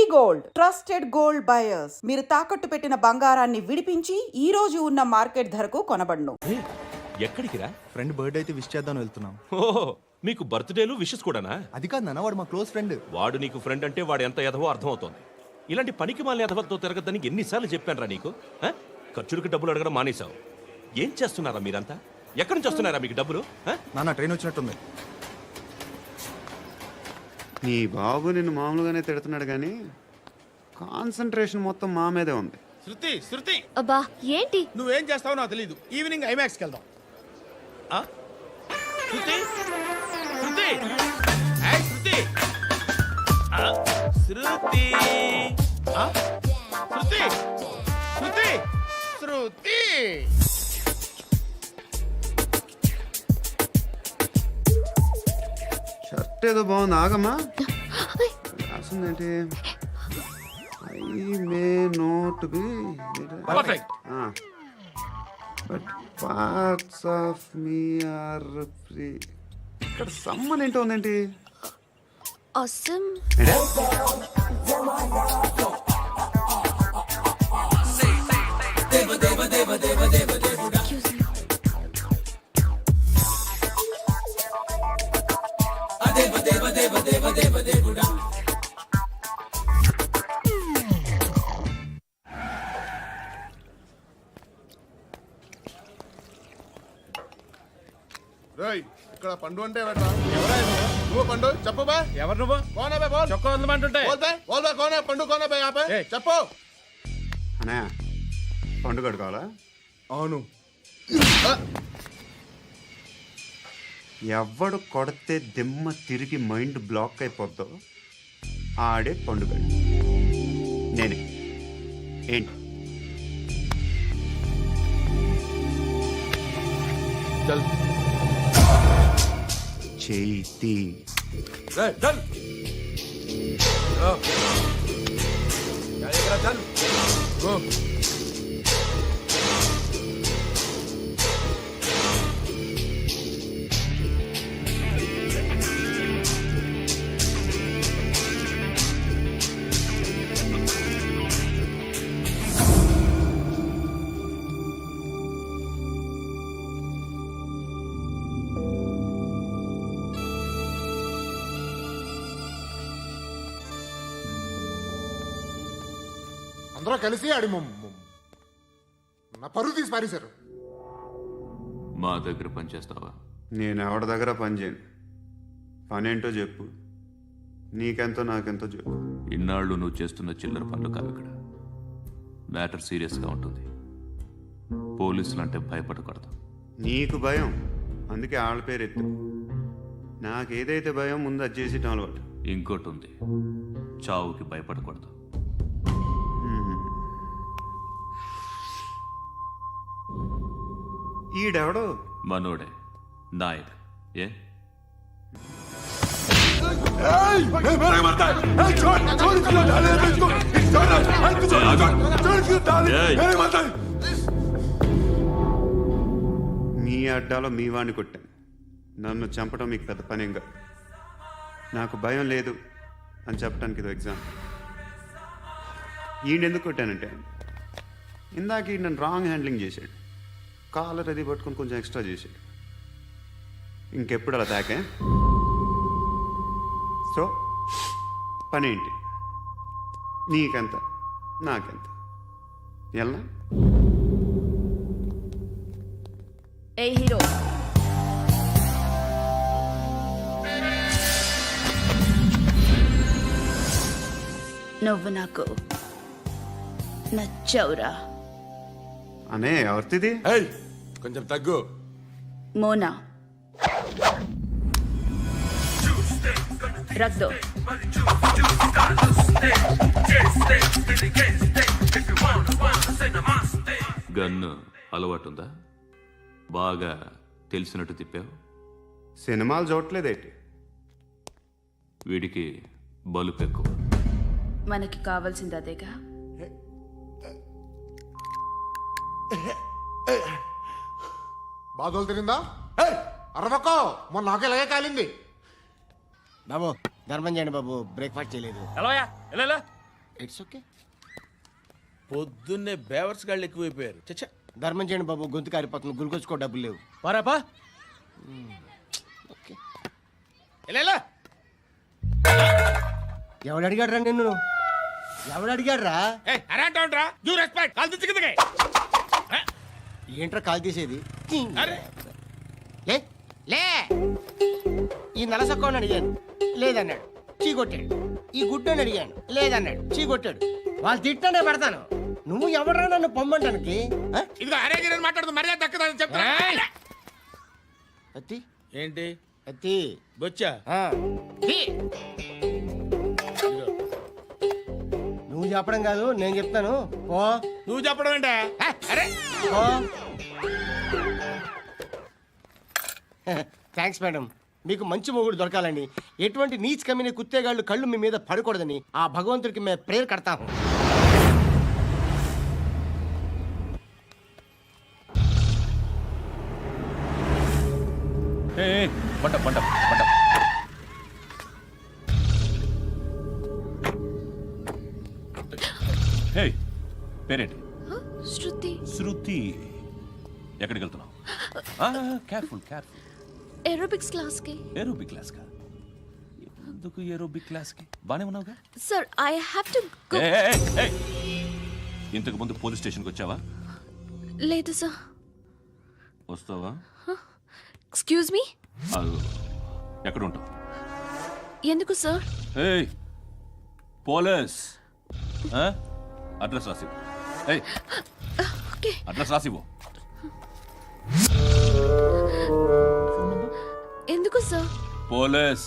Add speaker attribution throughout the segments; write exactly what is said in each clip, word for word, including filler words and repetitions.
Speaker 1: Gold trusted gold buyers మీరు తాకట్టు పెట్టిన బంగారాన్ని విడిపించి ఈ రోజు ఉన్న మార్కెట్ ధరకు కొనబడును.
Speaker 2: ఎక్కడికి రా?
Speaker 3: ఫ్రెండ్ బర్త్డే అయితే విష్ చేద్దాం వెళ్తున్నాం.
Speaker 2: ఓహో, మీకు బర్త్డేలు విషెస్ కూడానా?
Speaker 3: అది కాదు నాన్న, వాడు మా క్లోజ్ ఫ్రెండ్.
Speaker 2: వాడు నీకు ఫ్రెండ్ అంటే వాడు ఎంత ఎదవో అర్థమవుతోంది. ఇలాంటి పనికి మాలిన ఎదవతో తిరగద్దని ఎన్నిసార్లు చెప్పాను రా నీకు? ఆ? ఖర్చులకు డబ్బులు అడగడం మానేశావు. ఏం చేస్తున్నారా మీరంతా? ఎక్కడి నుంచి వస్తున్నారా మీకు డబ్బులు?
Speaker 3: నాన్న ట్రైన్ వచ్చినట్టుంది.
Speaker 4: నీ బాబు నిన్ను మామూలుగానే తిడుతున్నాడు కానీ కాన్సన్ట్రేషన్ మొత్తం మా మీదే ఉంది.
Speaker 5: శృతి శృతి
Speaker 6: అబ్బా ఏంటి
Speaker 5: నువ్వేం చేస్తావో నాకు తెలీదు. ఈవినింగ్ ఐమాక్స్కి వెళ్దాం. ఆ? శృతి శృతి ఏయ్, శృతి ఆ, శృతి ఆ? శృతి శృతి శృతి
Speaker 4: షర్ట్ ఏదో బాగుంది, ఆగమ్మా. రాసిందేంటి? I may not be
Speaker 5: perfect.
Speaker 4: But parts of me are free. ఇక్కడ సమ్మన్ ఏంటో ఉందేంటి?
Speaker 6: అసమ్
Speaker 7: రేయ్, ఇక్కడ పండు అంటే ఎవరా? నువ్వు పండు చెప్పు బా.
Speaker 5: ఎవరు నువ్వు?
Speaker 7: కోనా బే బోల్.
Speaker 5: చొక్కా వదలమంటుంటే
Speaker 7: బోల్ బే బోల్ బే కోనా పండు కోనా బే ఆపే
Speaker 5: ఏయ్.
Speaker 7: చెప్పు.
Speaker 4: అనే పండు కడుకోవాలా?
Speaker 7: అవును.
Speaker 4: ఎవడు కొడితే దిమ్మ తిరిగి మైండ్ బ్లాక్ అయిపోద్దో ఆడే పండుగ. నేనే. ఏంటి?
Speaker 7: చల్
Speaker 4: చేతి
Speaker 7: రే చల్. ఓ చల్ ఇక్కడ చల్. ఓ అందరూ కలిసి ఆడి నా పరువు తీసి పారేశారు.
Speaker 8: మా దగ్గర పనిచేస్తావా?
Speaker 4: నేను ఎవరి దగ్గర పని చేయను. పనేంటో చెప్పు. నీకెంతో నాకెంతో చెప్పు.
Speaker 8: ఇన్నాళ్ళు నువ్వు చేస్తున్న చిల్లర పనులు కావు ఇక్కడ. మ్యాటర్ సీరియస్గా ఉంటుంది. పోలీసులు అంటే భయపడకూడదు.
Speaker 4: నీకు భయం, అందుకే ఆళ్ళ పేరు ఎత్తు. నాకేదైతే భయం ముందు అది చేసేటం అలవాటు.
Speaker 8: ఇంకోటి ఉంది, చావుకి భయపడకూడదు.
Speaker 4: ఈడెవడో
Speaker 8: మనోడే నాయక్. ఏ
Speaker 4: మీ అడ్డాలో మీ వాడిని కొట్టాను. నన్ను చంపడం మీకు పెద్ద పనేం కాదు. నాకు భయం లేదు అని చెప్పడానికి ఇది ఎగ్జామ్. ఈయనెందుకు కొట్టానంటే ఇందాక ఈ నన్ను రాంగ్ హ్యాండ్లింగ్ చేశాడు. కాలర్ అది పట్టుకొని కొంచెం ఎక్స్ట్రా చేశాడు. ఇంకెప్పుడు అలా తాకే. సో పని ఏంటి? నీకెంత నాకెంత ఎలా?
Speaker 6: ఏ హీరో నువ్వు నాకు నచ్చవురా.
Speaker 4: అనే ఎవరిది?
Speaker 7: కొంచెం తగ్గు.
Speaker 6: మోనా రక్ దో.
Speaker 8: గన్ను అలవాటుందా? బాగా తెలిసినట్టు తిప్పావు.
Speaker 4: సినిమాలు చూడట్లేదేంటి?
Speaker 8: వీడికి బలుపు ఎక్కువ.
Speaker 6: మనకి కావాల్సింది అదేగా.
Speaker 7: బాధలు తిరిందా? అరవకో, మొన్న నాకు ఇలాగే కాలింది.
Speaker 9: బాబు ధర్మం చేయండి బాబు, బ్రేక్ఫాస్ట్ చేయలేదు.
Speaker 5: ఎలాయా ఎలా
Speaker 9: ఇట్స్ ఓకే.
Speaker 5: పొద్దున్నే బేవర్స్ గాళ్ళు ఎక్కువైపోయారు. చచ్చా
Speaker 9: ధర్మం చేయండి బాబు, గొంతు కారిపోతుంది, గురికొచ్చుకో డబ్బులు లేవు.
Speaker 5: పారాపా
Speaker 9: ఓకే.
Speaker 5: ఎలా
Speaker 9: ఎవడు అడిగాడు రా నిన్ను? ఎవడు అడిగాడు రా?
Speaker 5: అరేంటా యూ రెస్పెక్ట్ కాల్ తెచ్చి కిందకి.
Speaker 9: ఏంట్రా కాల్ తీసేది?
Speaker 5: అరే
Speaker 9: లే లే. ఈ నలసక్కని అడిగాను, లేదన్నాడు, చీ కొట్టాడు. ఈ గుడ్డని అడిగాను, లేదన్నాడు, చీ కొట్టాడు. వాళ్ళు తిట్టానే పెడతాను. నువ్వు ఎవడరా నన్ను పొమ్మంటానికి? ఆ?
Speaker 5: ఇదిగో అరే గిరని మాట్లాడుతూ మర్యాద దక్కదని చెప్తా.
Speaker 9: అత్తి
Speaker 5: ఏంటి
Speaker 9: అత్తి
Speaker 5: బొచ్చా?
Speaker 9: ఆ. తీ. నువ్వు చెప్పడం కాదు, నేను చెప్తాను. ఓ
Speaker 5: నువ్వు చెప్పడం ఏంటే? అరే
Speaker 9: ఓ థ్యాంక్స్ మేడం. మీకు మంచి మొగుడు దొరకాలని, ఎటువంటి నీచ్ కమ్మిన కుత్తేగాళ్ళు కళ్ళు మీ మీద పడకూడదని ఆ భగవంతుడికి మేము ప్రేయర్ కడతాము.
Speaker 8: పంట పంట పంట హే పేరేంటి?
Speaker 6: శృతి.
Speaker 8: శృతి. ఎక్కడికి వెళ్తున్నావు? Careful careful.
Speaker 6: ఏరోబిక్స్ క్లాస్ కి.
Speaker 8: ఏరోబిక్ క్లాస్ కా? ఎందుకు ఏరోబిక్ క్లాస్ కి? బానే ఉన్నావుగా?
Speaker 6: Sir I have to go.
Speaker 8: ఏయ్, ఏయ్, ఏయ్. ఇంతకు ముందు పోలీస్ స్టేషన్కి వచ్చావా?
Speaker 6: లేదు సార్.
Speaker 8: వస్తావా?
Speaker 6: Excuse me.
Speaker 8: అదిగో. ఎక్కడ ఉంటావు?
Speaker 6: ఎందుకు సార్?
Speaker 8: ఏయ్ పోలీస్. ఆ? అడ్రస్ రాసివ్వు. ఏయ్
Speaker 6: ఓకే.
Speaker 8: అడ్రస్ రాసివ్వు.
Speaker 6: ఎందుకు సార్?
Speaker 8: పోలీస్.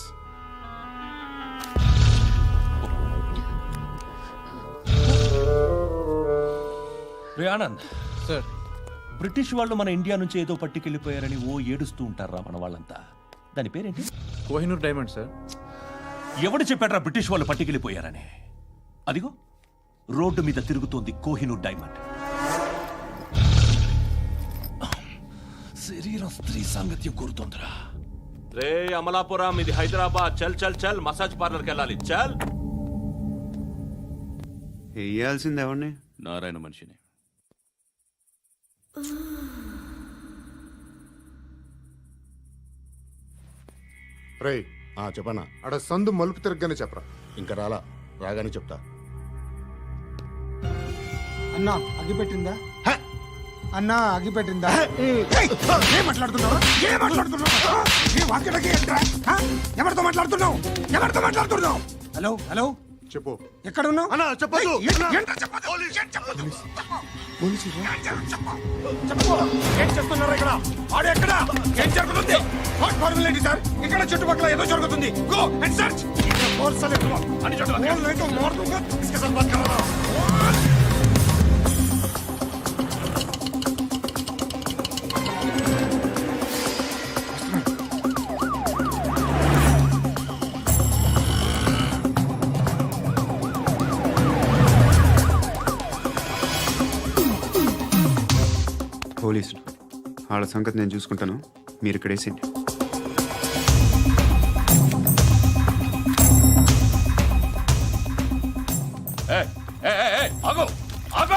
Speaker 8: రే ఆనంద్
Speaker 3: సార్.
Speaker 8: బ్రిటిష్ వాళ్ళు మన ఇండియా నుంచి ఏదో పట్టుకెళ్ళిపోయారని ఓ ఏడుస్తూ ఉంటారా మన వాళ్ళంతా. దాని పేరేంటి?
Speaker 3: Kohinoor diamond sir.
Speaker 8: ఎవడు చెప్పాడ్రా బ్రిటిష్ వాళ్ళు పట్టుకెళ్ళిపోయారని? అదిగో రోడ్డు మీద తిరుగుతోంది కోహినూర్ డైమండ్. శరీరం స్త్రీ సాంగత్యం కోరుతోందిరా.
Speaker 2: రే అమలాపురం, ఇది హైదరాబాద్. చల్ చల్ చల్, మసాజ్ పార్లర్కి వెళ్ళాలి. చల్.
Speaker 4: వేయాల్సింది ఎవరిని?
Speaker 8: నారాయణ మనిషిని.
Speaker 7: రై ఆ చెప్పనా అడ సందు మలుపు తిరగగానే చెప్పరా. ఇంకా రాలా, రాగానే చెప్తా.
Speaker 10: అన్నా అగిపెట్టిందా? అన్నా అగిపెట్టిందా? ఏం మాట్లాడుతున్నావు? ఏం మాట్లాడుతున్నావు? ఈ వాక్యలకి ఏంట్రా? హ? ఎవరితో మాట్లాడుతున్నావు? ఎవరితో మాట్లాడుతున్నావు? హలో హలో
Speaker 7: చెప్పు.
Speaker 10: ఎక్కడ ఉన్నావు?
Speaker 7: అన్నా చెప్పదు.
Speaker 10: ఏం- ఏంట్రా చెప్పొద్దు? ఏం చెప్పొద్దు? చెప్పు. చెప్పు. ఏం చేస్తున్నారు ఇక్కడ? వాడు ఎక్కడ? ఏం జరుగుతుంది? వాట్ ఫార్మల్ ఏంటి సార్? ఇక్కడ చుట్టుపక్కల ఏదో జరుగుతుంది. Go and search. ఫోర్స్ అలే తుమ్. అని చోట नहीं तो मार दूंगा. इसके साथ बात कर रहा हूं.
Speaker 4: పోలీసులు వాళ్ళ సంగతి నేను చూసుకుంటాను, మీరు ఇక్కడ వేసేయండి.
Speaker 8: ఏయ్, ఏయ్, ఏయ్, ఏయ్, ఆగు ఆగు.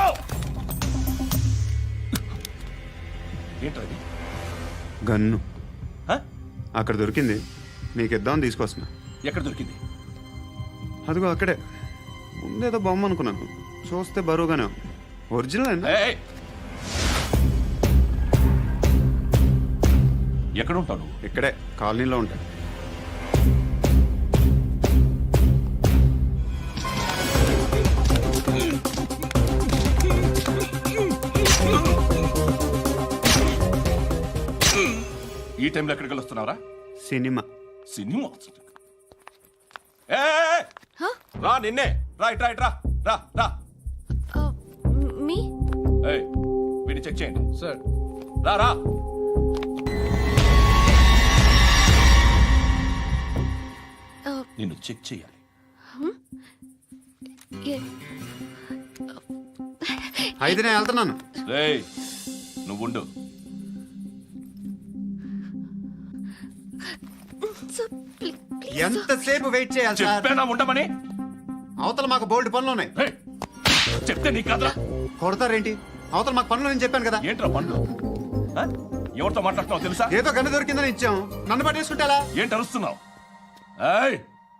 Speaker 8: ఏంట్రా ఇది?
Speaker 4: గన్ను
Speaker 8: హ?
Speaker 4: అక్కడ దొరికింది, మీకు ఇద్దామని తీసుకొస్తున్నా.
Speaker 8: ఎక్కడ దొరికింది?
Speaker 4: అదిగో అక్కడే. ముందేదో బొమ్మ అనుకున్నాను, చూస్తే బరువుగానే ఉంది. ఒరిజినల్ అండి.
Speaker 8: ఏయ్, ఏయ్. ఎక్కడ ఉంటావు నువ్వు?
Speaker 4: ఇక్కడే కాలనీలో ఉంటాడు.
Speaker 8: ఈ టైంలో ఎక్కడికి వస్తున్నావురా?
Speaker 4: సినిమా.
Speaker 8: సినిమా. ఏయ్, ఏయ్, ఏయ్. రా నిన్నే. రా ఇట్ రా ఇట్ రా రా రా.
Speaker 6: మీ.
Speaker 8: ఏయ్ వీడిని చెక్ చేయండి
Speaker 3: సార్.
Speaker 8: రా రా. నిన్ను చెక్ చేయాలి.
Speaker 4: అయితే నేను వెళ్తున్నాను.
Speaker 8: రేయ్ నువ్వుండు.
Speaker 4: ఎంతసేపు వెయిట్ చేయాలి సార్?
Speaker 8: చెప్పేనా ఉండమని?
Speaker 4: అవతల మాకు బోల్డ్ పనులు ఉన్నాయి.
Speaker 2: చెప్తే నీకు కదరా
Speaker 4: కొడతారేంటి? అవతల మాకు పనులు నేను చెప్పాను కదా.
Speaker 2: ఏంట్రా పండ్లు ఆ? ఎవరితో మాట్లాడుతున్నావు తెలుసా?
Speaker 4: ఏదో గన్ను దొరికిందని ఇచ్చాం, నన్ను పట్టేసుకుంటా.
Speaker 2: ఏంటి అరుస్తున్నావు? ఏయ్!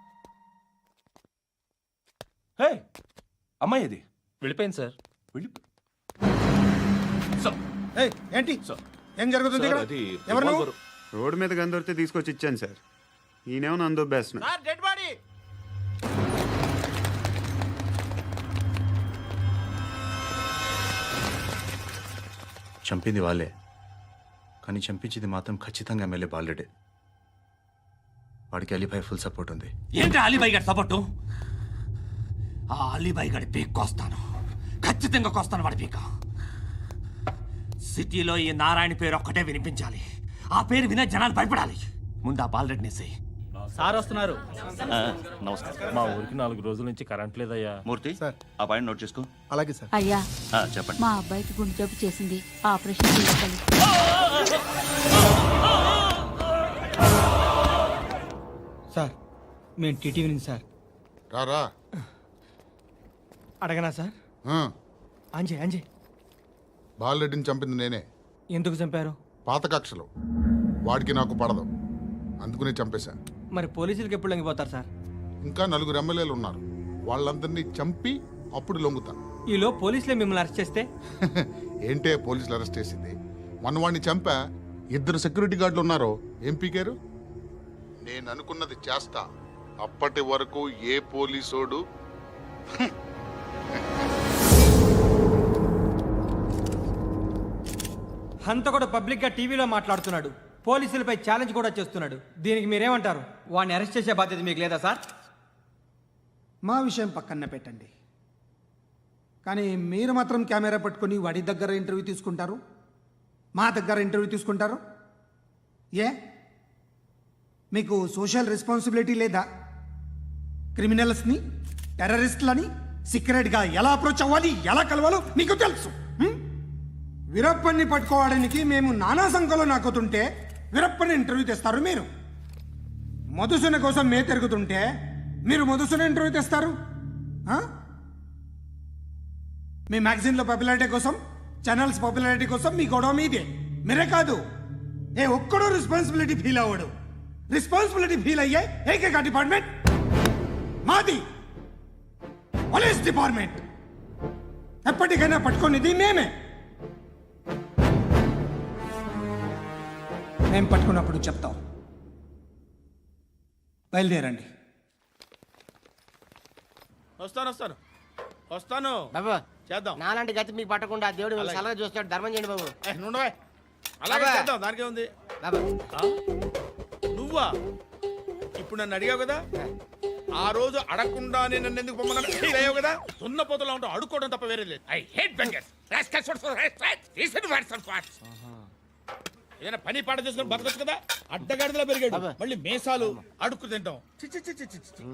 Speaker 2: ఏయ్! అమ్మాయి ఇది
Speaker 5: వెళ్ళిపోయింది సార్.
Speaker 2: వెళ్ళి సార్,
Speaker 10: ఏయ్, ఏంటి
Speaker 2: సార్.
Speaker 10: ఏం జరుగుతుంది ఇక్కడ?
Speaker 2: అది
Speaker 10: ఎవరు నువ్వు?
Speaker 2: రివాల్వర్.
Speaker 4: రోడ్డు మీద గన్ను దొరికితే తీసుకొచ్చి ఇచ్చాను సార్. ఈయనేమో నన్ను దొబ్బేస్తున్నా.
Speaker 5: Dead body.
Speaker 3: చంపింది వాళ్ళే, కానీ చంపించింది మాత్రం ఖచ్చితంగా ఎమ్మెల్యే బాలుడే. వాడికి అలీభాయ్ ఫుల్ సపోర్ట్ ఉంది.
Speaker 5: ఏంటి అలీబాయి గారి సపోర్టు? ఆ అలీబాయి గారి పీక్ కోస్తాను, ఖచ్చితంగా కోస్తాను వాడి పీక. సిటీలో ఈ నారాయణ పేరు ఒక్కటే వినిపించాలి. ఆ పేరు వినే జనాలు భయపడాలి. ముందు ఆ బాలరెడ్డి నేసి.
Speaker 11: సార్ వస్తున్నారు.
Speaker 8: నమస్కారం.
Speaker 5: మా ఊరికి నాలుగు రోజుల నుంచి కరెంట్ లేదయ్యా.
Speaker 8: మూర్తి
Speaker 3: సార్.
Speaker 8: ఆ పాయింట్ నోట్ చేసుకో.
Speaker 3: అలాగే సార్.
Speaker 6: అయ్యా,
Speaker 8: ఆ, చెప్పండి.
Speaker 6: మా అబ్బాయికి గుండె జబ్బు చేసింది, ఆపరేషన్ చేయాలి.
Speaker 11: సార్ మేము టీటీవీ నుంచి సార్.
Speaker 7: రారా
Speaker 11: అడగనా సార్?
Speaker 7: ఆ,
Speaker 11: అంజే అంజే
Speaker 7: బాలరెడ్డిని చంపింది నేనే.
Speaker 11: ఎందుకు చంపారు?
Speaker 7: పాత కక్షలు వాడికి నాకు పడదు, అందుకునే చంపేశా.
Speaker 11: మరి పోలీసులకి ఎప్పుడు లొంగిపోతారు సార్?
Speaker 7: ఇంకా నలుగురు ఎమ్మెల్యేలు ఉన్నారు, వాళ్ళందరినీ చంపి అప్పుడు లొంగుతా.
Speaker 11: ఈలో పోలీసులే మిమ్మల్ని అరెస్ట్ చేస్తే?
Speaker 7: ఏంటే పోలీసులు అరెస్ట్ చేసింది? మొన్న వాడిని చంపా, ఇద్దరు సెక్యూరిటీ గార్డులు ఉన్నారు, ఏం పీకారు? నేను అనుకున్నది చేస్తా, అప్పటి వరకు ఏ పోలీసోడు
Speaker 11: హంత కూడా పబ్లిక్ గా టీవీలో మాట్లాడుతున్నాడు, పోలీసులపై ఛాలెంజ్ కూడా చేస్తున్నాడు. దీనికి మీరేమంటారు? వాడిని అరెస్ట్ చేసే బాధ్యత మీకు లేదా సార్?
Speaker 10: మా విషయం పక్కన పెట్టండి, కానీ మీరు మాత్రం కెమెరా పట్టుకొని వాడి దగ్గర ఇంటర్వ్యూ తీసుకుంటారు, మా దగ్గర ఇంటర్వ్యూ తీసుకుంటారు. ఏ మీకు సోషల్ రెస్పాన్సిబిలిటీ లేదా? క్రిమినల్స్ని, టెర్రరిస్టులని సీక్రెట్గా ఎలా అప్రోచ్ అవ్వాలి, ఎలా కలవాలో మీకు తెలుసు. హ్మ్? వీరప్పన్ని పట్టుకోవడానికి మేము నానా సంఖ్యలో నాకుతుంటే వీరప్పని ఇంటర్వ్యూ తెస్తారు మీరు. మధుసూన కోసం మే తిరుగుతుంటే మీరు మధుసూన ఇంటర్వ్యూ తెస్తారు. ఆ? మీ మ్యాగజైన్లో పాపులారిటీ కోసం, ఛానల్స్ పాపులారిటీ కోసం మీ గొడవ మీదే. మీరే కాదు, ఏ ఒక్కడో రెస్పాన్సిబిలిటీ ఫీల్ అవ్వడు. రెస్పాన్సిబిలిటీ ఫీల్ అయ్యే ఏకైక డిపార్ట్మెంట్ మాది, పోలీస్ డిపార్ట్మెంట్. ఎప్పటికైనా పట్టుకునేది మేమే. మేము పట్టుకున్నప్పుడు చెప్తాం. బయలుదేరండి.
Speaker 5: వస్తాను వస్తాను వస్తాను.
Speaker 9: బాబా
Speaker 5: చేద్దాం.
Speaker 9: నాలాంటి గతి మీకు పట్టకుండా దేవుడు మిమ్మల్ని సలహా చూస్తాడు. ధర్మం చేయండి బాబు.
Speaker 5: ఏ, నుండవే. అలాగే
Speaker 9: బాబా.
Speaker 5: చేద్దాం, దానికే ఉంది.
Speaker 9: బాబా
Speaker 5: ఆ? నువ్వా? ఇప్పుడు నన్ను అడిగావు కదా, ఆ రోజు అడగకుండా నేను నన్ను ఎందుకు పొమ్మన్నా ఫీల్ అయ్యావు కదా. సున్న పోతలో ఉంటావు, అడుక్కోవడం తప్ప వేరే లేదు. I hate beggars. ఏదైనా పని పాట చేసుకుని బతకొచ్చు కదా. అడ్డగాడిదలా పెరిగాడు,
Speaker 9: అబ్బా.
Speaker 5: మళ్ళీ మేసాలు అడుక్కు తింటాం. చి, చి, చి, చి, చి, చి.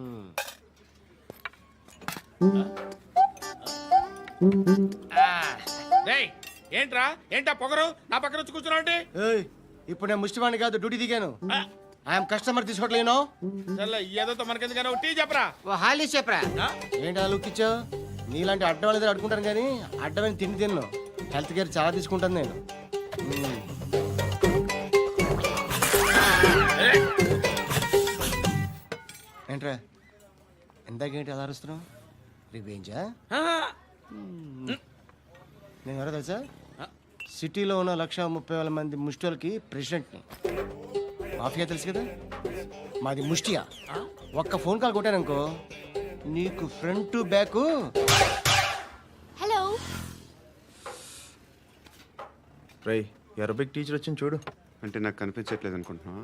Speaker 5: రేయ్, ఏంట్రా ఏంటా పొగరు నా పక్కన వచ్చి కూర్చున్నావు అంటే?
Speaker 9: ఏయ్, ఇప్పుడు నేను ముష్టివాణి కాదు, డ్యూటీ దిగాను. ఐఎమ్ కస్టమర్ తీసుకోవట్లేను.
Speaker 5: సర్లే, ఏదో మనకెందుకైనా టీ చెప్పరా.
Speaker 9: ఓ హాలీస్ చెప్పరా.
Speaker 5: ఆ?
Speaker 9: ఏంటి లుక్ ఇచ్చావు? నీలాంటి అడ్డం వాళ్ళ దగ్గర అడుకుంటాను, కానీ అడ్డమైన తిండి తిన్ను. హెల్త్ కేర్ చాలా తీసుకుంటాను నేను. మ్మ్. ఏంట్రా ఇందాకేంటి అలా అరుస్తున్నావు? రివేంజా? నేను ఎవరో తెలుసా? సిటీలో ఉన్న లక్ష ముప్పై వేల మంది ముష్టిలకి ప్రెసిడెంట్ని. మాఫియా తెలుసు కదా, మాది ముష్టియా. ఒక్క ఫోన్ కాల్ కొట్టాననుకో, నీకు ఫ్రంట్ టు బ్యాక్.
Speaker 6: హలో,
Speaker 3: రై అరబిక్ టీచర్ వచ్చింది చూడు.
Speaker 4: అంటే నాకు కనిపించట్లేదు అనుకుంటున్నా.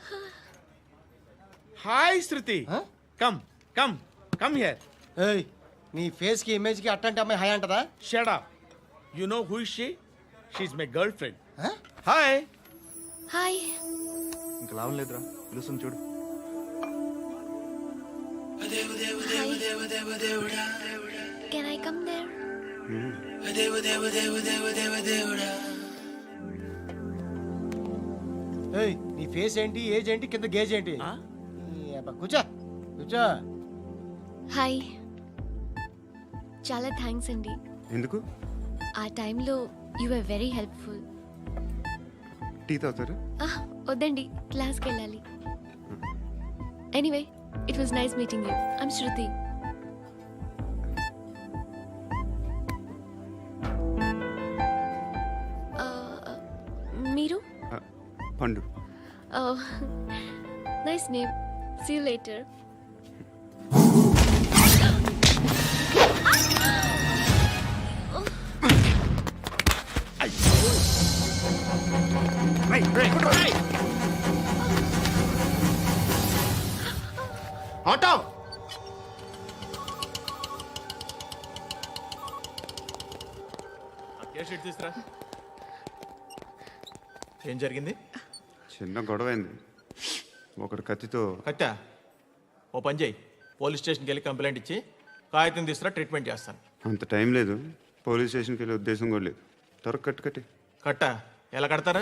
Speaker 5: Hi Shruti,
Speaker 9: Huh?
Speaker 5: Come come come here.
Speaker 9: ఏయ్, నీ ఫేస్ కి ఇమేజ్ కి అట్టంటే అమ్మాయి హాయ్ అంటదా?
Speaker 5: Shut up. You know who is she? She is my girl friend.
Speaker 9: Huh?
Speaker 5: Hi.
Speaker 6: Hi.
Speaker 3: ఇంకా లాభం లేదురా, పిలుస్తుంది చూడు.
Speaker 6: Can I come there?
Speaker 9: ఏయ్, నీ ఫేస్ ఏంటి, ఏజ్ ఏంటి, కింద గేజ్ ఏంటి? ఈ అబ్బా, కూర్చో కూర్చో.
Speaker 6: హాయ్. చాలా థ్యాంక్స్ అండి.
Speaker 4: ఎందుకు?
Speaker 6: ఆ టైంలో you are very helpful.
Speaker 4: Tea తాగుతారా?
Speaker 6: వద్దండి, క్లాస్కి వెళ్ళాలి. Anyway, it was nice meeting you. I'm Shruti. మీరు?
Speaker 4: Pandu.
Speaker 6: Nice name. See you later.
Speaker 4: Auto!
Speaker 10: తీసురా. ఏం జరిగింది?
Speaker 4: చిన్న గొడవ అయింది. ఒకడు కత్తితో.
Speaker 10: కట్టా ఓ పని చేయి, పోలీస్ స్టేషన్కి వెళ్ళి కంప్లైంట్ ఇచ్చి కాగితం తీసుకురా, ట్రీట్మెంట్ చేస్తాను.
Speaker 4: అంత టైం లేదు. పోలీస్ స్టేషన్కి వెళ్ళే ఉద్దేశం కూడా లేదు. త్వరగా కట్టు కట్టి.
Speaker 10: కట్టా ఎలా కడతారా?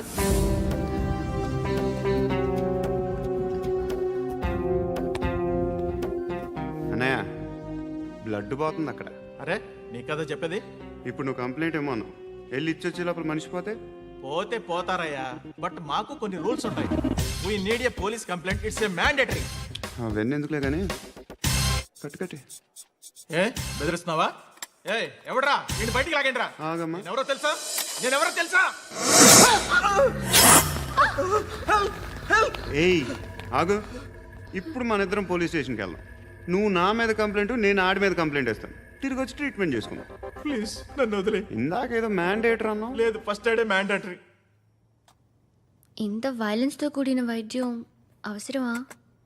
Speaker 4: అన్నయ్య, బ్లడ్ పోతుంది అక్కడ.
Speaker 10: అరే నీ కదా చెప్పేది.
Speaker 4: ఇప్పుడు నువ్వు కంప్లైంట్ ఏమో అన్నావు. వెళ్ళి ఇచ్చొచ్చే లోపల మనిషి పోతే
Speaker 10: పోతే పోతారయ్యా, బట్ మాకు కొన్ని రూల్స్ ఉంటాయి. We need a police complaint, it's a mandatory.
Speaker 4: అవన్నీ ఎందుకులే కానీ కట్టు కట్టి.
Speaker 10: ఏ బెదిరిస్తున్నావా? ఏ ఎవడ్రా నేను బయటికి లాగండిరా.
Speaker 4: ఆగమ్మా.
Speaker 10: ఎవరో తెలుసా? నేను ఎవరో తెలుసా?
Speaker 4: ఏయ్ ఆగు. ఇప్పుడు మన ఇద్దరం పోలీస్ స్టేషన్కి వెళ్దాం. నువ్వు నా మీద కంప్లైంట్, నేను ఆడి మీద కంప్లైంట్ వేస్తాను. తిరిగి వచ్చి ట్రీట్మెంట్ చేసుకుందాం.
Speaker 10: ప్లీజ్ నన్ను వదిలే.
Speaker 4: ఇందాక ఏదో మ్యాండేటర్ అన్నావు.
Speaker 10: లేదు, ఫస్ట్ ఎయిడే మ్యాండేటరీ.
Speaker 6: ఇంత వైలెన్స్తో కూడిన వైద్యం అవసరమా?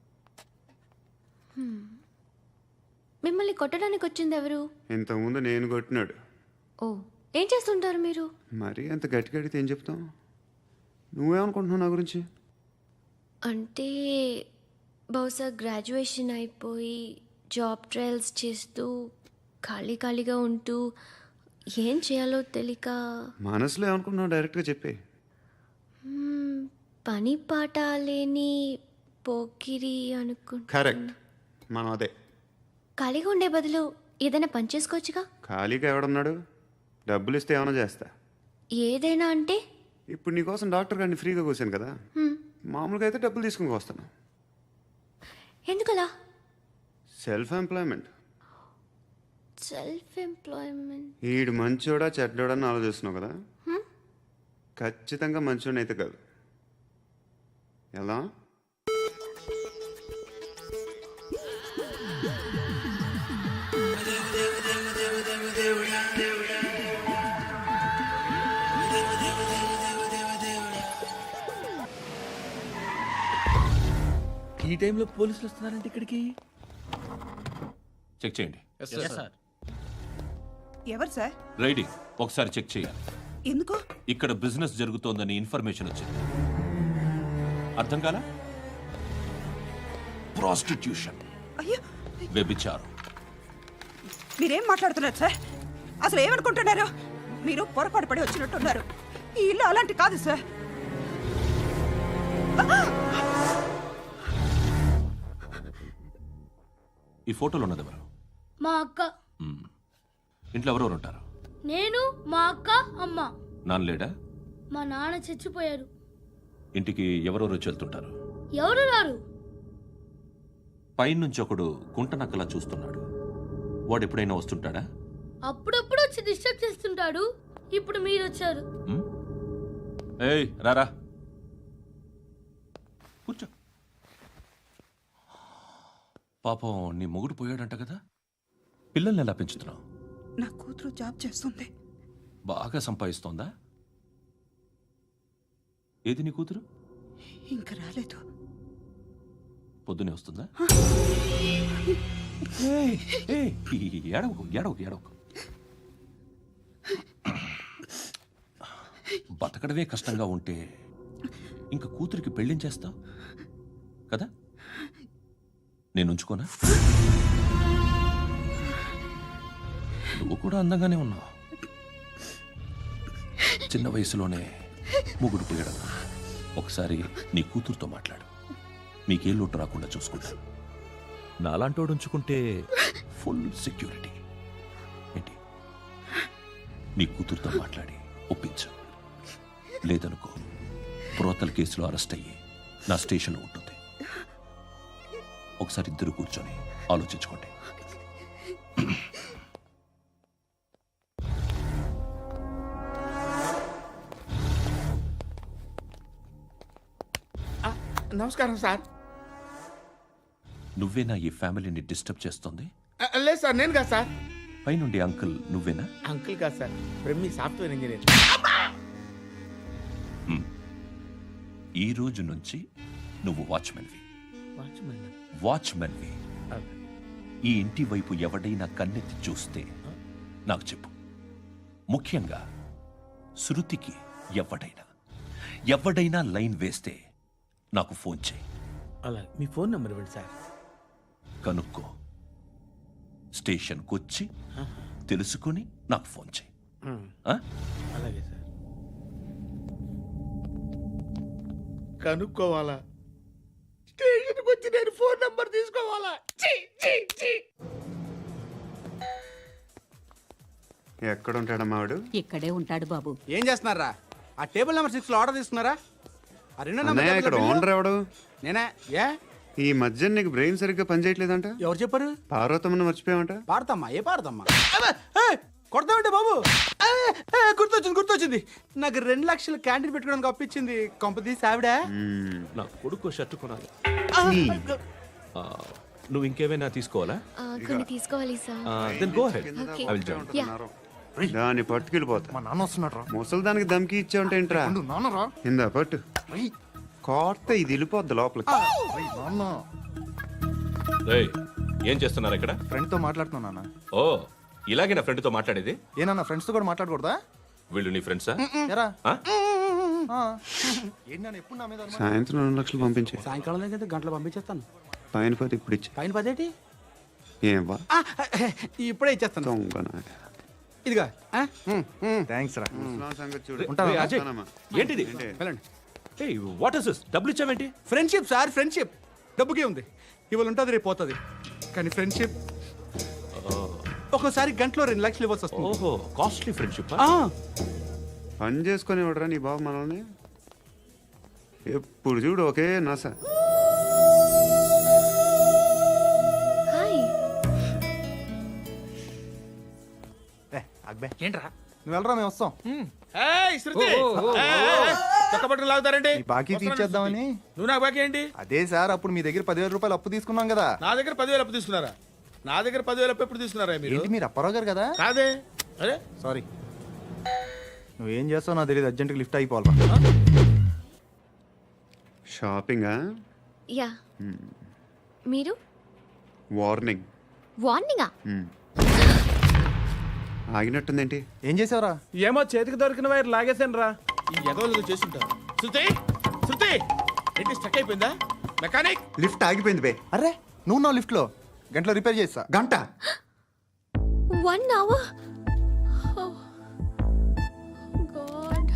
Speaker 6: Hmm. మిమ్మల్ని కొట్టడానికి వచ్చింది ఎవరు?
Speaker 4: ఇంతకుముందు నేను కొట్టినాడు.
Speaker 6: ఓ, ఏం చేస్తుంటారు మీరు?
Speaker 4: మరి అంత గట్టి గడితే ఏం చెప్తావు? నువ్వేమనుకుంటున్నావు నా గురించి?
Speaker 6: అంటే బహుశా గ్రాడ్యుయేషన్ అయిపోయి జాబ్ ట్రయల్స్ చేస్తూ ఖాళీ ఖాళీగా ఉంటూ ఏం చేయాలో తెలియక.
Speaker 4: మనసులో ఏమనుకుంటున్నావు డైరెక్ట్గా చెప్పే.
Speaker 6: మ్మ్, పని పాట లేని పోకిరి అనుకుంటా.
Speaker 4: కరెక్ట్, మనం అదే.
Speaker 6: ఖాళీగా ఉండే బదులు ఏదైనా పని చేసుకోవచ్చుగా.
Speaker 4: ఖాళీగా ఎవడున్నాడు? డబ్బులు ఇస్తే ఏమైనా చేస్తా.
Speaker 6: ఏదైనా అంటే?
Speaker 4: ఇప్పుడు నీకోసం డాక్టర్ గారిని ఫ్రీగా కూర్చాను కదా.
Speaker 6: హ్మ్,
Speaker 4: మామూలుగా అయితే డబ్బులు తీసుకుని వస్తాను.
Speaker 6: ఎందుకలా?
Speaker 4: Self employment.
Speaker 6: Self employment.
Speaker 4: ఈడు మంచోడా చెడ్డోడా అని ఆలోచిస్తున్నావు కదా. ఖచ్చితంగా మంచోడని అయితే కాదు. ఎలా?
Speaker 5: ఈ టైంలో పోలీసులు వస్తున్నారంటే ఇక్కడికి.
Speaker 8: చెక్ చేయండి.
Speaker 1: ఎవరు సార్?
Speaker 8: రైడింగ్ ఒకసారి చెక్ చేయాలి.
Speaker 1: ఎందుకు?
Speaker 8: ఇక్కడ బిజినెస్ జరుగుతోందని ఇన్ఫర్మేషన్ వచ్చింది. అర్థం కాలా? ప్రాస్టిట్యూషన్,
Speaker 1: అయ్యో,
Speaker 8: వ్యభిచారం.
Speaker 1: మీరేం మాట్లాడుతున్నారు సార్? అసలు ఏమనుకుంటున్నారు? మీరు పొరపాటు పడి వచ్చినట్టున్నారు. ఈ ఇల్లు అలాంటి కాదు సార్.
Speaker 8: ఈ ఫోటోలో ఉన్నది ఎవరు?
Speaker 6: మా అక్క.
Speaker 8: మ్మ్. ఇంట్లో ఎవరెవరు ఉంటారు?
Speaker 6: నేను, మా అక్క, అమ్మ.
Speaker 8: నాన్న లేడా?
Speaker 6: మా నాన్న చచ్చిపోయారు.
Speaker 8: ఇంటికి ఎవరెవరు వచ్చి వెళ్తుంటారు?
Speaker 6: ఎవరు రారు.
Speaker 8: పైనుంచి ఒకడు గుంట నక్కలా చూస్తున్నాడు. వాడు ఎప్పుడైనా వస్తుంటాడా?
Speaker 6: అప్పుడప్పుడు వచ్చి డిస్టర్బ్ చేస్తుంటాడు. ఇప్పుడు మీరు వచ్చారు.
Speaker 8: మ్మ్? ఏయ్ రారా, కూర్చో. పాపం నీ మొగుడు పోయాడంట కదా, పిల్లల్ని ఎలా పెంచుతున్నావు?
Speaker 1: నా కూతురు జాబ్ చేస్తుంది.
Speaker 8: బాగా సంపాదిస్తోందా? ఏది నీ కూతురు?
Speaker 1: ఇంకా రాలేదు.
Speaker 8: పొద్దునే వస్తుందా? ఏయ్, ఏయ్, ఏడవకు ఏడవకు ఏడవకు. బతకడమే కష్టంగా ఉంటే ఇంకా కూతురికి పెళ్ళించేస్తావు కదా? నేను ఉంచుకోనా? నువ్వు కూడా అందంగానే ఉన్నావు. చిన్న వయసులోనే ముగుడు పోయడం. ఒకసారి నీ కూతురుతో మాట్లాడు. మీకే లోటు రాకుండా చూసుకుంటాను. నాలాంటోడు ఉంచుకుంటే ఫుల్ సెక్యూరిటీ. ఏంటి? నీ కూతురుతో మాట్లాడి ఒప్పించు. లేదనుకో ప్రోతల కేసులో అరెస్ట్ అయ్యి నా స్టేషన్లో ఉంటుంది. ఒకసారి ఇద్దరు కూర్చొని ఆలోచించుకోండి.
Speaker 5: నమస్కారం సార్.
Speaker 8: నువ్వేనా ఈ ఫ్యామిలీని డిస్టర్బ్ చేస్తుంది?
Speaker 5: ఆ, లేదు సార్, నేను కాదు సార్.
Speaker 8: పైనుండి అంకుల్ నువ్వేనా?
Speaker 5: అంకుల్ కాదు సార్, బ్రహ్మి సాఫ్ట్వేర్ ఇంజనీర్.
Speaker 8: ఈ రోజు నుంచి నువ్వు వాచ్మెన్వి.
Speaker 5: వాచ్మెన్.
Speaker 8: వాచ్మెన్వి. ఈ ఇంటి వైపు ఎవడైనా కన్నెత్తి చూస్తే నాకు చెప్పు. ముఖ్యంగా శృతికి ఎవడైనా ఎవడైనా లైన్ వేస్తే నాకు ఫోన్ చేయి.
Speaker 5: అలా మీ ఫోన్ నెంబర్ ఇవ్వండి సార్.
Speaker 8: కనుక్కో, స్టేషన్కి వచ్చి తెలుసుకుని నాకు ఫోన్ చేయి. ఆ?
Speaker 5: అలాగే సార్. కనుక్కోవాలా? స్టేషన్కి వచ్చి నేను ఫోన్ నంబర్ తీసుకోవాలా? ఛీ, ఛీ, ఛీ.
Speaker 4: ఎక్కడ ఉంటాడమ్మా వాడు?
Speaker 1: ఇక్కడే ఉంటాడు బాబు.
Speaker 10: ఏం చేస్తున్నారా? ఆ టేబుల్ నెంబర్ సిక్స్ లో ఆర్డర్ తీసుకున్నారా? ఆ రెండో
Speaker 4: అన్నయ్య, ఇక్కడ
Speaker 10: నెంబర్
Speaker 4: ఓనర్ ఎవడు?
Speaker 10: నేనే. ఏ
Speaker 4: ఈ మధ్య నీకు బ్రెయిన్ సరిగ్గా పనిచేయట్లేదంట.
Speaker 10: ఎవరు చెప్పారు?
Speaker 4: పార్వతమ్మను మర్చిపోయామంట.
Speaker 10: పాడతామ్మా? ఏ పాడతామ్మా? కొడతామంటే బాబు. ఏ, ఏ, గుర్తొచ్చింది గుర్తొచ్చింది. నాకు రెండు లక్షలు క్యాంటీన్ పెట్టుకోవడానికి అప్పించింది కొంపతీసి ఆవిడ.
Speaker 2: నా కొడుకు షర్ట్ కొనాలి. ఆ, నువ్వు ఇంకేమైనా తీసుకోవాలా?
Speaker 6: ఆ, కొన్ని తీసుకోవాలి sir.
Speaker 2: Then go ahead.
Speaker 6: Okay.
Speaker 2: I will join.
Speaker 6: Yeah.
Speaker 4: దాన్ని పట్టుకెళ్ళిపోతా.
Speaker 7: మా నాన్న వస్తున్నాడు రా.
Speaker 4: ముసలి దానికి దమ్కి ఇచ్చావంటే ఏంట్రా?
Speaker 7: నాన్న రా.
Speaker 4: ఇందా పట్టు. కోర్త ఇది వెళ్ళిపోద్ది లోపలికి.
Speaker 7: నాన్న
Speaker 2: రేయ్, ఏం చేస్తున్నారు ఇక్కడ?
Speaker 7: ఫ్రెండ్ తో మాట్లాడుతున్నా నాన్న.
Speaker 2: ఓ, ఇలాగే నా ఫ్రెండ్తో మాట్లాడేది?
Speaker 7: ఏనా ఫ్రెండ్స్ తో కూడా మాట్లాడకూడదా?
Speaker 2: వీళ్ళు నీ ఫ్రెండ్సా?
Speaker 7: ఎరా
Speaker 2: ఆ?
Speaker 7: ఏంటి నాన్న ఎప్పుడు నా మీద అనుమానం?
Speaker 4: సాయంత్రం రెండు లక్షలు పంపించే.
Speaker 10: సాయంకాలం దగ్గర గంటలు పంపించేస్తాను.
Speaker 4: పైన పది ఇప్పుడు ఇచ్చే.
Speaker 10: పైన పదేటి?
Speaker 4: ఏం వా
Speaker 10: ఇప్పుడే ఇచ్చేస్తాను.
Speaker 4: దొంగనా.
Speaker 10: ఇదిగా
Speaker 7: థ్యాంక్స్ రా.
Speaker 4: ముసలాం సంగతి చూడు.
Speaker 2: రేయ్, అజయ్,
Speaker 4: వస్తానమ్మా.
Speaker 2: ఏంటిది?
Speaker 10: వెళ్ళండి.
Speaker 2: ఏయ్, వాట్ ఇస్ దిస్? డబ్బులు ఇచ్చావేంటి?
Speaker 10: Friendship sir, friendship. డబ్బుకే ఉంది, ఇవాళ ఉంటుంది రేపు పోతుంది. కానీ ఫ్రెండ్షిప్ ఒక్కోసారి గంటలో రెండు లక్షలు ఇవ్వాల్సి వస్తుంది.
Speaker 2: ఓహో, కాస్ట్లీ ఫ్రెండ్షిప్.
Speaker 10: ఆ,
Speaker 4: పని చేసుకొని ఇవ్వడరా నీ బాబు మనల్ని? ఎప్పుడు చూడు ఒకే నాస.
Speaker 6: హాయ్.
Speaker 7: అక్బే
Speaker 10: ఏంట్రా?
Speaker 7: నువ్వు వెళ్ళరా, మేము వస్తాం.
Speaker 5: ఏయ్, శృతి. ఏయ్, ఏయ్, చొక్క బట్టలు లాగుతారండి?
Speaker 7: ఈ బాకీ తీర్చేద్దామని.
Speaker 5: నువ్వు నాకు బాకీ ఏంటి?
Speaker 7: అదే సార్, అప్పుడు మీ దగ్గర పదివేల రూపాయలు అప్పు తీసుకున్నాం కదా.
Speaker 5: నా దగ్గర పదివేలు అప్పు తీసుకున్నారా? నా దగ్గర పదివేలు అప్పు ఎప్పుడు తీసుకున్నారా మీరు?
Speaker 7: ఏంటి మీరు అప్పారావు గారు కదా?
Speaker 5: కాదే. అరే
Speaker 7: సారీ. నువ్వేం చేస్తావు నాకు తెలియదు, అర్జెంట్గా లిఫ్ట్ అయిపోవాలి.
Speaker 4: షాపింగా?
Speaker 6: యా. మీరు?
Speaker 4: వార్నింగ్.
Speaker 6: వార్నింగా?
Speaker 4: ఆగినట్టుందేంటి?
Speaker 7: ఏం చేసావురా?
Speaker 10: ఏమో చేతికి దొరికిన వైర్ లాగేసాను రా.
Speaker 5: ఈ ఎగవలు చేస్తుంటారు. శృతి, శృతి, ఏంటి స్టక్ అయిపోయిందా? మెకానిక్.
Speaker 4: లిఫ్ట్ ఆగిపోయింది బే.
Speaker 7: అరే నువ్వు నా లిఫ్ట్ లో గంటలో రిపేర్ చేస్తా.
Speaker 4: గంట?
Speaker 6: One hour? గాడ్.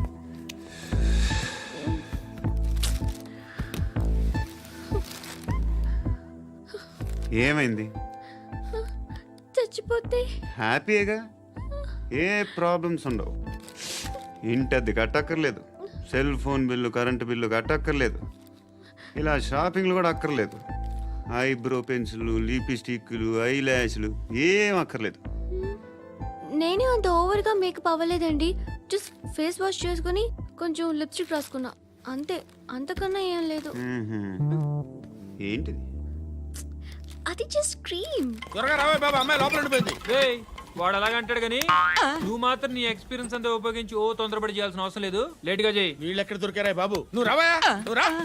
Speaker 4: ఏమైంది?
Speaker 6: చచ్చిపోతే?
Speaker 4: హ్యాపీగా, ఏ ప్రాబ్లమ్స్ ఉండవు. ఇంటి అద్దె కట్టక్కర్లేదు, cell phone bill, current bill కట్టక్కర్లేదు, ఇలా షాపింగ్లు కూడా అక్కర్లేదు. ఐబ్రో పెన్సిల్, లిప్స్టిక్లు, ఐ ల్యాష్లు ఏం అక్కర్లేదు.
Speaker 6: నేనే అంత ఓవర్గా మేకప్ అవ్వలేదండి. జస్ట్ ఫేస్ వాష్ చేసుకుని కొంచెం లిప్స్టిక్ రాసుకున్నా అంతే. అంతకన్నా ఏం లేదు.
Speaker 4: ఏంటిది?
Speaker 6: అది జస్ట్ క్రీమ్.
Speaker 5: త్వరగా రావే బాబా, అమ్మాయి లోపల ఉండిపోయింది.
Speaker 11: వాడు అలాగంటాడు కానీ నువ్వు మాత్రం నీ ఎక్స్పీరియన్స్ అంతా ఉపయోగించి ఓ తొందరపడి చేయాల్సిన అవసరం లేదు. లేట్ గా చేయి.
Speaker 5: వీళ్ళు ఎక్కడ దొరికారా బాబు? నువ్వు రావా, నువ్వు రా.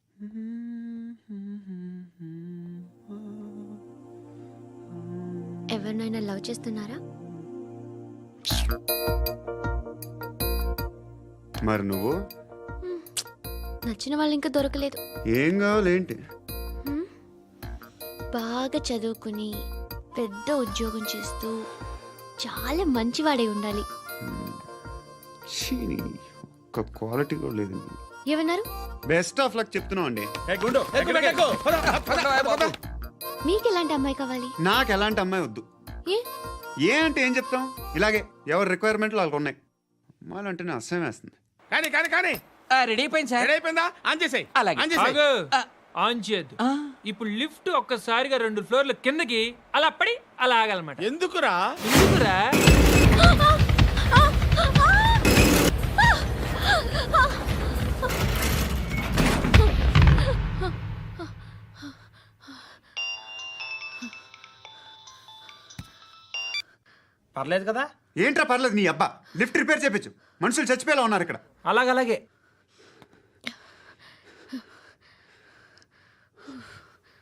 Speaker 6: ఎవరినైనా లవ్ చేస్తున్నారా?
Speaker 4: మరి నువ్వు?
Speaker 6: నచ్చిన వాళ్ళు ఇంకా దొరకలేదు.
Speaker 4: ఏం కావాలి ఏంటి?
Speaker 6: బాగా చదువుకుని పెద్ద ఉద్యోగం చేస్తూ చాలా మంచివాడే ఉండాలి.
Speaker 4: ఛీ, ఒక్క క్వాలిటీ కూడా లేదు.
Speaker 6: ఏమన్నారు?
Speaker 4: బెస్ట్ ఆఫ్ లక్ చెప్తున్నావు అండి.
Speaker 5: ఏ గుండు, ఎక్కు, ఎక్కు, ఎక్కు. పద, పద, పద, పద.
Speaker 6: మీకు ఎలాంటి అమ్మాయి కావాలి?
Speaker 4: నాకు ఎలాంటి అమ్మాయి వద్దు.
Speaker 6: ఏ
Speaker 4: ఏ అంటే ఏం చెప్తాం ఇలాగే ఎవరి రిక్వైర్మెంట్లు వాళ్ళకు ఉన్నాయి అమ్మాయిలు అంటేనే అసహ్యం వేస్తుంది.
Speaker 5: కానీ కానీ కానీ
Speaker 12: రెడీ అయిపోయింది సార్.
Speaker 5: రెడీ అయిపోయిందా ఆన్ చేసేయ్
Speaker 12: అలాగే.
Speaker 5: ఆన్ చేసేయ్
Speaker 12: ఆన్ చేయద్దు. ఇప్పుడు లిఫ్ట్ ఒక్కసారిగా రెండు ఫ్లోర్ల కిందకి అలా పడి అలా ఆగాలన్నమాట.
Speaker 5: ఎందుకురా
Speaker 12: ఎందుకురా?
Speaker 9: పర్లేదు కదా.
Speaker 4: ఏంట్రా పర్లేదు నీ అబ్బా లిఫ్ట్ రిపేర్ చేయించు మనుషులు చచ్చిపోయేలా ఉన్నారు ఇక్కడ.
Speaker 12: అలాగలాగే